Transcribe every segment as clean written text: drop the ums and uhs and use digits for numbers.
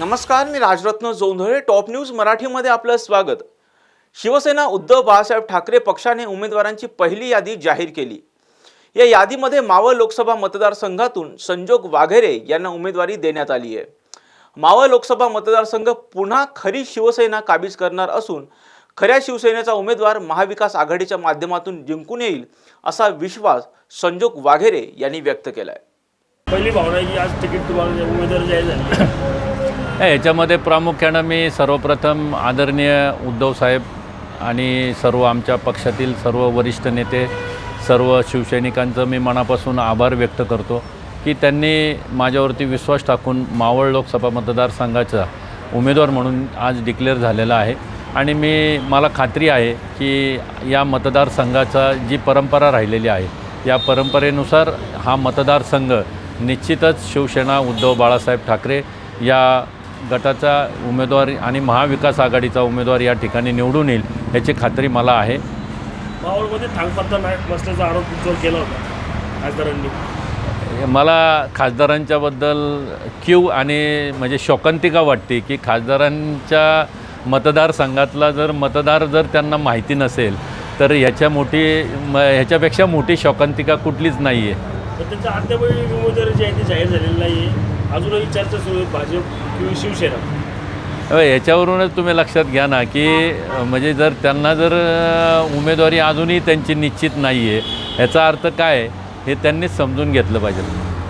नमस्कार, मी Rajratna Jondhale. Top news मराठीमध्ये आपलं स्वागत. शिवसेना उद्धव बाळासाहेब ठाकरे पक्षाने उमेदवारांची पहिली यादी जाहीर केली. या यादीमध्ये मावळ लोकसभा मतदारसंघातून संजोग वाघेरे यांना उमेदवारी देण्यात आली आहे. मावळ लोकसभा मतदारसंघ पुन्हा खरी शिवसेना काबीज करणार असून खऱ्या शिवसेनेचा उमेदवार महाविकास आघाडीच्या माध्यमातून जिंकून येईल असा विश्वास संजोग वाघेरे यांनी व्यक्त केला आहे. पहिली भावना आहे की आज तिकीट तुम्हाला उमेदवार जाहीर झाली. याच्यामध्ये प्रामुख्यानं मी सर्वप्रथम आदरणीय उद्धव साहेब आणि सर्व आमच्या पक्षातील सर्व वरिष्ठ नेते, सर्व शिवसैनिकांचं मी मनापासून आभार व्यक्त करतो की त्यांनी माझ्यावरती विश्वास टाकून मावळ लोकसभा मतदारसंघाचा उमेदवार म्हणून आज डिक्लेअर झालेला आहे. आणि मला खात्री आहे की या मतदारसंघाचा जी परंपरा राहिलेली आहे, या परंपरेनुसार हा मतदारसंघ निश्चितच शिवसेना उद्धव बाळासाहेब ठाकरे या गटाचा उमेदवार आणि महाविकास आघाडीचा उमेदवार या ठिकाणी निवडून येईल याची खात्री मला आहे. मावळमध्ये थांगपत्ता बसण्याचा आरोप तुमच्यावर केला होता खासदारांनी. मला खासदारांच्याबद्दल आणि म्हणजे शोकांतिका वाटते की खासदारांच्या मतदारसंघातला मतदार जर त्यांना माहिती नसेल तर ह्याच्यापेक्षा मोठी शोकांतिका कुठलीच नाही आहे. तर त्यांच्या अद्याप उमेदवारी जी आहे ती जाहीर झालेली नाही आहे. अजूनही चर्चा सुरू आहे भाजप किंवा शिवसेना. याच्यावरूनच तुम्ही लक्षात घ्या ना की म्हणजे त्यांना उमेदवारी अजूनही त्यांची निश्चित नाही आहे, याचा अर्थ काय हे त्यांनीच समजून घेतलं पाहिजे.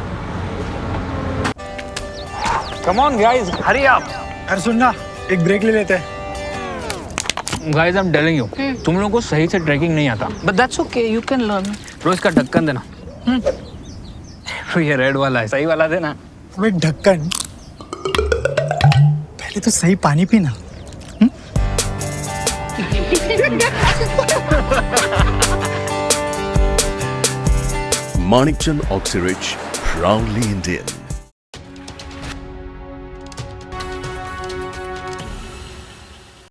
Come on guys, hurry up. अरे सुन ना, एक ब्रेक ले लेते हैं. Guys I am telling you, तुम लोगों को सही से ट्रैकिंग नहीं आता. But that's okay, you can learn. रोज का ढक्कन देना. ये रेड वाला है, सही वाला देना. वो एक ढक्कन, पहले तो सही पानी पीना. Manikchand Oxyrich, proudly Indian.